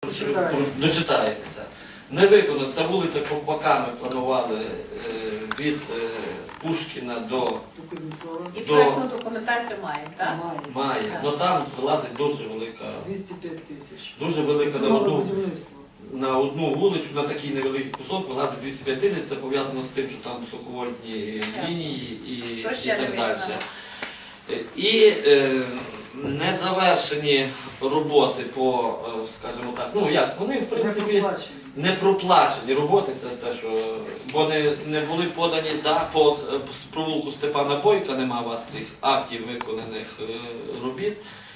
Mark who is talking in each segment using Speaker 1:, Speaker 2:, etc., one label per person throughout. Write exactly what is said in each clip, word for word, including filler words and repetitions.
Speaker 1: Дочитаєтеся. Не виконано. Ця вулиця ковпаками планували е, від е, Пушкіна до...
Speaker 2: І
Speaker 1: до...
Speaker 2: проєктну документацію маємо, так?
Speaker 1: Має. Але там вилазить дуже велика...
Speaker 3: двісті п'ять тисяч.
Speaker 1: Дуже велика на одну,
Speaker 3: будівництво.
Speaker 1: на одну вулицю, на такий невеликий кусок вилазить двісті п'ять тисяч. Це пов'язано з тим, що там високовольтні лінії і, і так далі. І е, незавершені роботи по, скажімо так, ну як, вони в принципі не проплачені роботи, це те, що, бо не, не були подані, да, по провулку Степана Бойка нема у вас цих актів виконаних е, робіт.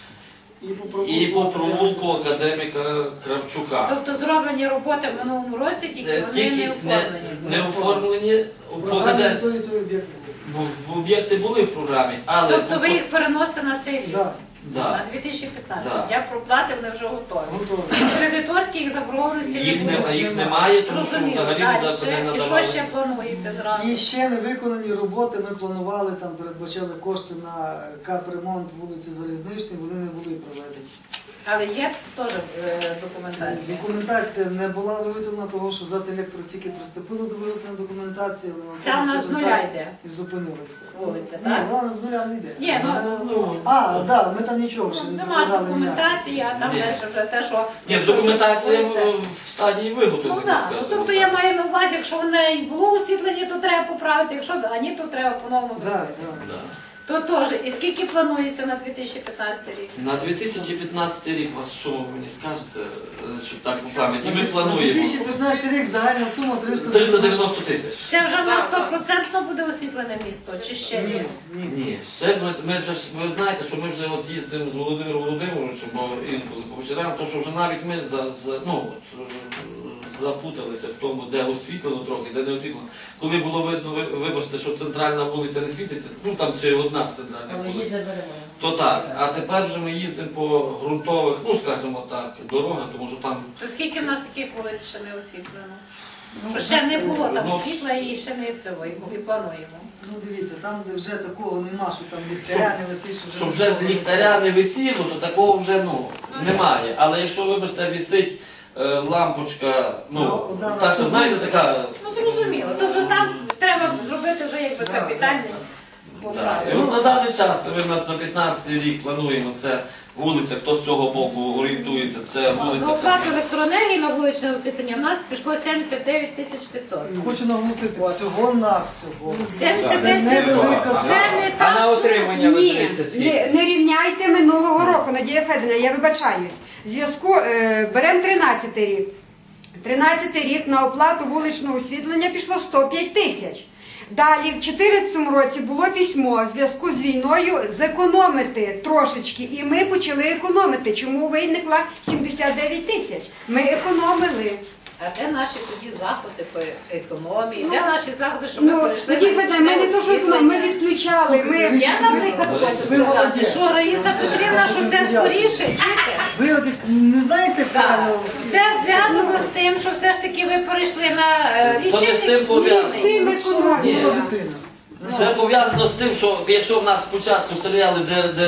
Speaker 1: І по провулку, і по провулку академіка Кравчука.
Speaker 2: Тобто зроблені роботи в минулому році, тільки вони
Speaker 1: тільки
Speaker 2: не оформлені.
Speaker 1: Не, не оформлені.
Speaker 3: Програмі той і той об'єкт був.
Speaker 1: Об'єкти були в програмі, але...
Speaker 2: Тобто ви їх переносите на цей рік?
Speaker 3: Так.
Speaker 1: Да.
Speaker 2: На дві тисячі п'ятнадцятий.
Speaker 1: Да.
Speaker 2: Я проплати, вони вже готові.
Speaker 3: Готові.
Speaker 2: Кредиторські їх заборгованості
Speaker 1: Їх,
Speaker 2: не
Speaker 1: не,
Speaker 2: було.
Speaker 1: їх немає, тому що
Speaker 2: Зрозуміло.
Speaker 1: взагалі
Speaker 2: Дальше.
Speaker 1: не
Speaker 2: І
Speaker 1: надавалося.
Speaker 2: що ще плануєте зразу?
Speaker 3: І ще не виконані роботи, ми планували, там передбачали кошти на капремонт вулиці Залізничній, вони не були проведені.
Speaker 2: Але є теж е, документація?
Speaker 3: Документація не була виготовлена, того що ЗАТ «Електро» тільки приступило до виготовлення документації, але на
Speaker 2: Це
Speaker 3: тому,
Speaker 2: у нас з
Speaker 3: скажімо
Speaker 2: нуля
Speaker 3: так,
Speaker 2: йде?
Speaker 3: і зупинилися.
Speaker 2: Вулиця,
Speaker 3: Ні,
Speaker 2: так?
Speaker 3: вона з нуля не йде.
Speaker 2: Ні, ну,
Speaker 1: Ну,
Speaker 3: А, так, да, ми там нічого ще не
Speaker 2: нема
Speaker 3: сказали.
Speaker 2: документації, а там
Speaker 1: Ні.
Speaker 2: далі вже те, що...
Speaker 1: Ні, документація в, в стадії
Speaker 2: Ну
Speaker 1: виготовлення,
Speaker 2: так, ну,
Speaker 1: скажімо
Speaker 2: тобто
Speaker 1: так.
Speaker 2: я маю на увазі, якщо воно і було освітлення, то треба поправити, якщо а ні, то треба по-новому
Speaker 3: Так,
Speaker 2: зробити.
Speaker 3: так.
Speaker 1: Да.
Speaker 2: То теж. І скільки планується на дві тисячі п'ятнадцятий рік?
Speaker 1: На дві тисячі п'ятнадцятий рік вас суму ви мені скажете, е, щоб так по пам'яті. Ми
Speaker 3: На дві
Speaker 1: плануємо
Speaker 3: тисячі п'ятнадцятий рік загальна сума триста
Speaker 1: триста дев'яносто тисяч.
Speaker 2: Це вже на сто відсотків буде освітлене місто, чи ще ні?
Speaker 3: Ні, ні.
Speaker 1: Ні, все, ми, ми вже, ж- ви знаєте, що ми вже от їздимо з Володимиром Володимировичем, бо інколи по вечорам, то що вже навіть ми за, за, ну, от, е, запуталися в тому, де освітлено трохи, де не освітлено. Коли було видно, ви- вибачте, що центральна вулиця не світиться, ну там чи одна з центральних вулиць, то так. А тепер вже ми їздимо по ґрунтових, ну скажімо так, дорогах, тому що там...
Speaker 2: То скільки в нас таких вулиць ще не освітлено? Що ще не було там
Speaker 1: Ну,
Speaker 2: світла і ще не цього, і плануємо.
Speaker 3: Ну дивіться, там, де вже такого нема, що там ліхтаря не висить, що вже...
Speaker 1: Щоб вже
Speaker 3: нічого не
Speaker 1: ліхтаря не висіло, то такого вже ну, немає. Але якщо, вибачте, висить е, лампочка, ну,
Speaker 3: Ну, одна
Speaker 1: та що,
Speaker 3: на
Speaker 1: знаєте, така...
Speaker 2: Ну зрозуміло. Тобто там треба зробити вже якби капітальний
Speaker 1: Так.
Speaker 2: поправок.
Speaker 1: І от на даний час, це ми на, на п'ятнадцятий рік плануємо, це вулиця, хто з цього боку орієнтується, це
Speaker 2: На
Speaker 1: вулиця...
Speaker 2: оплату електроенергії на вуличне освітлення в нас пішло сімдесят дев'ять тисяч п'ятсот.
Speaker 3: Хочу наголосити, всього на всього.
Speaker 2: сімдесят
Speaker 3: Це
Speaker 2: дев'ять
Speaker 3: невелика
Speaker 2: Це
Speaker 3: сума.
Speaker 2: не
Speaker 4: А на
Speaker 2: та сума.
Speaker 4: отримання
Speaker 5: Ні,
Speaker 4: видається
Speaker 5: не,
Speaker 4: скільки?
Speaker 5: не рівняйте минулого року, Надія Федорівна, я вибачаюсь. В зв'язку, е, беремо тринадцятий рік. тринадцятий рік на оплату вуличного освітлення пішло сто п'ять тисяч. Далі в чотирнадцятому році було письмо в зв'язку з війною зекономити трошечки, і ми почали економити. Чому виникла сімдесят дев'ять тисяч? Ми економили.
Speaker 2: А де наші тоді заходи по економії? Де наші заходи, щоб ми
Speaker 5: Ну,
Speaker 2: перейшли
Speaker 5: Надія
Speaker 2: на
Speaker 5: Федорівна, ми не то, що економимо, ми
Speaker 2: освітлення?
Speaker 5: відключали. Ми,
Speaker 2: Я, наприклад,
Speaker 1: Ви
Speaker 2: хочу сказати,
Speaker 3: молодець.
Speaker 2: що Раїса Петрівна, що це скоріше, чуєте?
Speaker 3: Ви от як не знаєте
Speaker 2: Так.
Speaker 3: правильно?
Speaker 2: Це зв'язано з тим, що все ж таки ви перейшли на е,
Speaker 1: То не з тим
Speaker 2: лічильник.
Speaker 1: пов'язано.
Speaker 5: з тим економимо.
Speaker 3: Була дитина.
Speaker 1: Це пов'язано з тим, що якщо в нас спочатку стріляли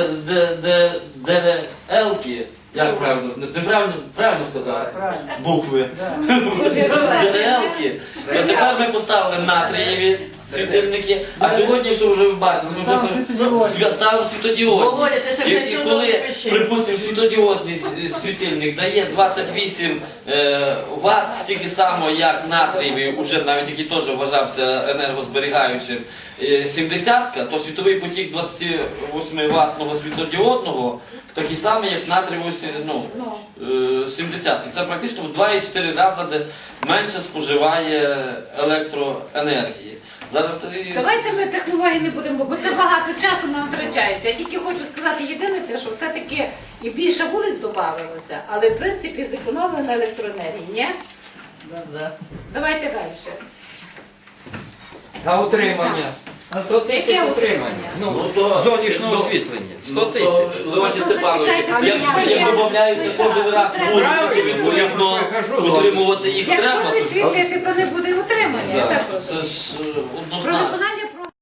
Speaker 1: ДРЛки, як правильно, неправильно, правильно сказати?
Speaker 3: Правильно.
Speaker 1: Букви. ДРЛки, то тепер ми поставили натрієві світильники, а сьогодні, що вже ви бачили, ми
Speaker 3: Ставимо
Speaker 1: вже
Speaker 3: світодіодні.
Speaker 1: ставимо світодіодні.
Speaker 6: Володя, ти ще
Speaker 1: І- І
Speaker 6: пенсіонер
Speaker 1: коли,
Speaker 6: пиши.
Speaker 1: припустимо, світодіодний світильник дає двадцять вісім е, ватт, стільки само, як натрієвий, уже навіть який теж вважався енергозберігаючим, е, сімдесятка, то світовий потік двадцятивосьмиваттного світодіодного такий самий, як натрієвий ну, е, сімдесятки. Це практично в два і чотири рази де менше споживає електроенергії. Зараз і-
Speaker 2: Давайте ми технології не будемо, бо це багато часу нам втрачається. Я тільки хочу сказати єдине те, що все-таки і більше вулиць додавалося, але в принципі зекономили на електроенергії, ні?
Speaker 6: Да.
Speaker 2: Давайте далі.
Speaker 4: А утримання? сто тисяч
Speaker 2: Яке
Speaker 4: утримання.
Speaker 1: Ну,
Speaker 4: Ну,
Speaker 1: то-
Speaker 4: зовнішнього
Speaker 1: ну,
Speaker 4: освітлення. сто
Speaker 1: Ну, то,
Speaker 4: тисяч.
Speaker 1: Леонтій
Speaker 2: Ну,
Speaker 1: Степанович,
Speaker 2: зачекайте,
Speaker 1: як
Speaker 2: я-
Speaker 1: як
Speaker 2: я-
Speaker 1: додаються кожен раз вулиці, то відповідно утримувати їх треба.
Speaker 2: Якщо не світити, то не буде утримання.
Speaker 1: Да,
Speaker 2: Я так розумію.
Speaker 1: Це ж е,
Speaker 2: Про
Speaker 1: однозначно.